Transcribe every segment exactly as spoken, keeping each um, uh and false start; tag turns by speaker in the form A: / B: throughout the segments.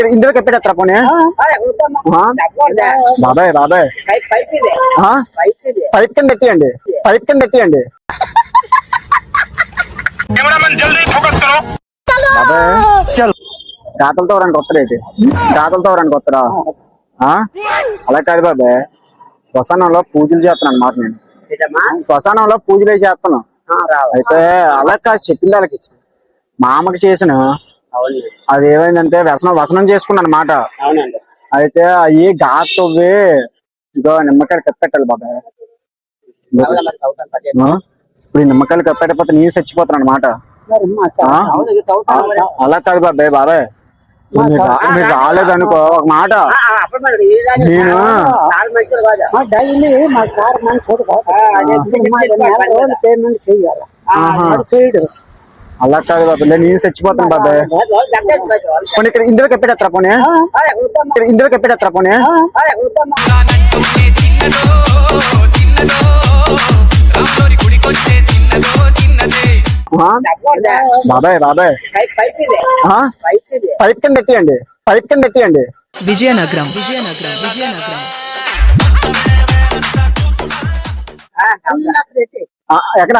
A: ఇందులోకి ఎత్తగత్తరా పోనీ బాబాయ్ బాబాయ్ పైప్ కింద పెట్టియండి పైప్ కింద పెట్టియండి బాబాయ్ గాతలతో రెండు కొత్తరేటి గాతలతో రెండు కొత్తరా అలా కాదు బాబాయ్ శ్మశానంలో పూజలు చేస్తాను అన్నమాట నేను శ్మశానంలో పూజలు చేస్తాను అయితే అలా కాదు చెప్పింది వాళ్ళకి ఇచ్చి మా అమ్మకి చేసిన అది ఏమైందంటే వ్యసనం వసనం చేసుకున్నా అనమాట అయితే అవి గాతవి ఇదో నిమ్మకాయలు కప్పెట్టాలి బాబాయ్ ఇప్పుడు నిమ్మకాయలు కప్పెట్టకపోతే నేను చచ్చిపోతాను అనమాట అలా కాదు బాబాయ్ బాబాయ్ మీరు రాలేదనుకో ఒక మాట నేను అలా కాదు బాబాయ్ నేను చచ్చిపోతాను బాబాయ్ పోనీ ఇక్కడ ఇందులోకి ఎత్తగత్తరా పోనీ ఇందులోకి ఎత్తగత్తరా పోనీ బాబాయ్ బాబాయ్ పైప్ కింద పెట్టియండి పైప్ కింద పెట్టియండి
B: విజయనగరం విజయనగరం విజయనగరం
A: ఎక్కడ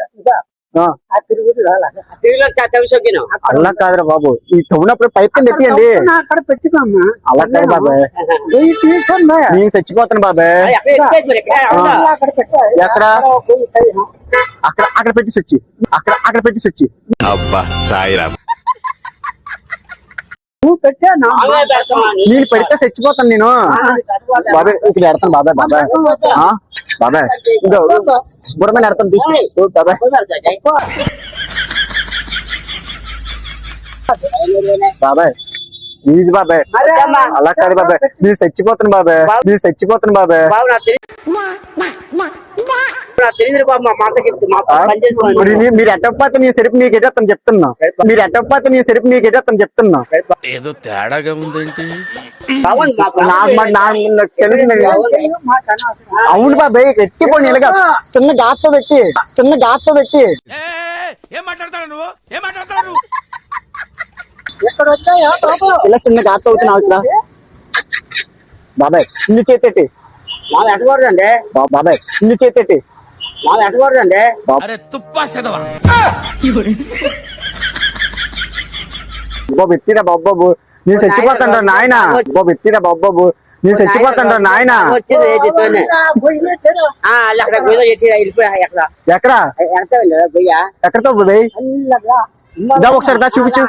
A: అలా కాదురా బాబు ఈ తవ్వినప్పుడు పైప్ కింద పెట్టియండి
C: అక్కడ పెట్టుకోమ్మా
A: అలా కాదు బాబాయ్ నేను చచ్చిపోతాను బాబాయ్ ఎక్కడ అక్కడ అక్కడ పెట్టి వచ్చి అక్కడ అక్కడ పెట్టి వచ్చి
D: అబ్బా సాయిరామ్
C: నువ్వు పెట్టా
A: నేను పెడితే చచ్చిపోతాను నేను బాబాయ్ ఇక్కడ ఎడతాను బాబాయ్ బాబాయ్ బాబాయ్ ఇదో బుడమైన ఎడతాను తీసుకు బాబాయ్ బాబాయ్ ప్లీజ్ బాబాయ్ అలా కాదు బాబాయ్ నేను చచ్చిపోతాను బాబాయ్ నేను చచ్చిపోతాను బాబాయ్ మీరు ఎట్టకపోతే నీ సెరుపు నీకు ఎట్టేస్తాను చెప్తున్నా మీరు ఎట్టకపోతే నీ సెరుపు నీకు ఎట్టేస్తాను చెప్తున్నా
D: ఏదో తేడాగా ఉందేంటి
A: నాకు తెలిసి అవును బాబాయ్ ఎట్టిపోయి ఇలాగా చిన్న గాతో పెట్టి చిన్న గాతో పెట్టి
D: ఏం మాట్లాడతాడు నువ్వు ఏం మాట్లాడతాడు
A: ఇలా చిన్న గాతో అవుతున్నావు ఇక్కడ బాబాయ్ ఇల్లు చేతేటి
C: ఎట్టకూడదండి
A: బాబాయ్ ఇల్లు చేతేటి
C: ఎట్టకూడదండి
D: అరే తుప్పా చదవా
A: బాబు ఎత్తిరా బాబాబు నేను చచ్చిపోతాను నాయన బాబు ఎత్తిరా బాబాబు నేను చచ్చిపోతాను నాయన ఎక్కడ ఎక్కడతో పోయి దా ఒకసారి దా చూపించు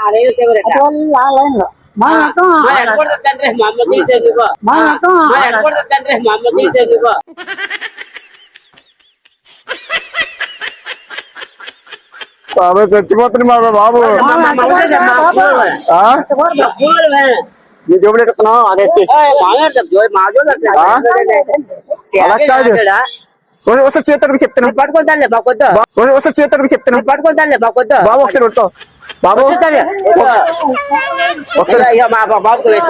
A: బాబు చచ్చిపోతుంది బాబా బాబు నీ జోబులు ఎట్టుకున్నావు అదెట్టి అలా కాదు ఒకసారి చేతులకు చెప్తున్నాను
C: పట్టుకుంటానులే మాకొద్దు
A: ఒకసారి చేతులకు చెప్తున్నాను
C: పట్టుకుంటానులే మాకొద్దు
A: బాబు ఒకసారి పట్టుకో బాబు ఒకసారి
C: బాబు